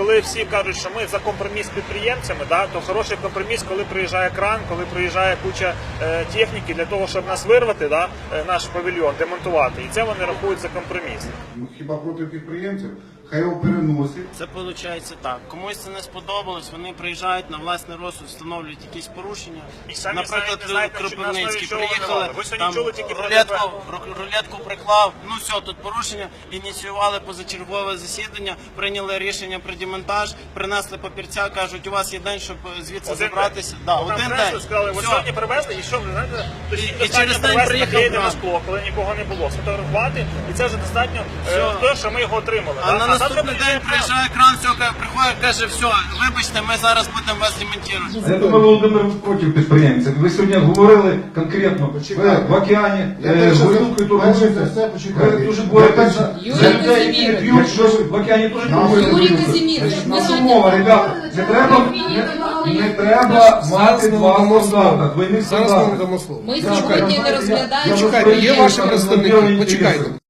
коли всі кажуть, що ми за компроміс з підприємцями, да, то хороший компроміс, коли приїжджає кран, коли приїжджає куча техніки для того, щоб нас вирвати, да, наш павільйон, демонтувати. І це вони рахують за компроміс. Хіба проти підприємців? Хай його переносить. Це виходить так. Комусь це не сподобалось, вони приїжджають на власний розсуд, встановлюють якісь порушення. І самі Наприклад, знаєте, Кропивницький що на основі приїхали, чого ви сьогодні там чули тільки про рулетку приклав, ну все, тут порушення, ініціювали позачергове засідання, прийняли рішення про демонтаж, принесли папірця, кажуть, у вас є день, щоб звідси забратися. Да, один день. Сказали, ви Все. сьогодні привезли, і що ви знаєте, І через день приїхав на скло, коли нікого не було, сфотографувати, і це вже достатньо те, що ми його отримали. А да? на наступний день приїжджає кран, все, приходить, каже, все, вибачте, ми зараз будемо вас демонтувати. Я думаю, Володимир проти підприємців. Ви сьогодні говорили конкретно, ви в океані горілкою торгуєте, ви дуже боретесь за людей, які не п'ють, що ви в океані теж торгуєте. Наша мова, ребята, не треба мати два стандарти, двойних стандартів. Ми сьогодні не розглядаємо. Почекайте, є ваші представники, почекайте.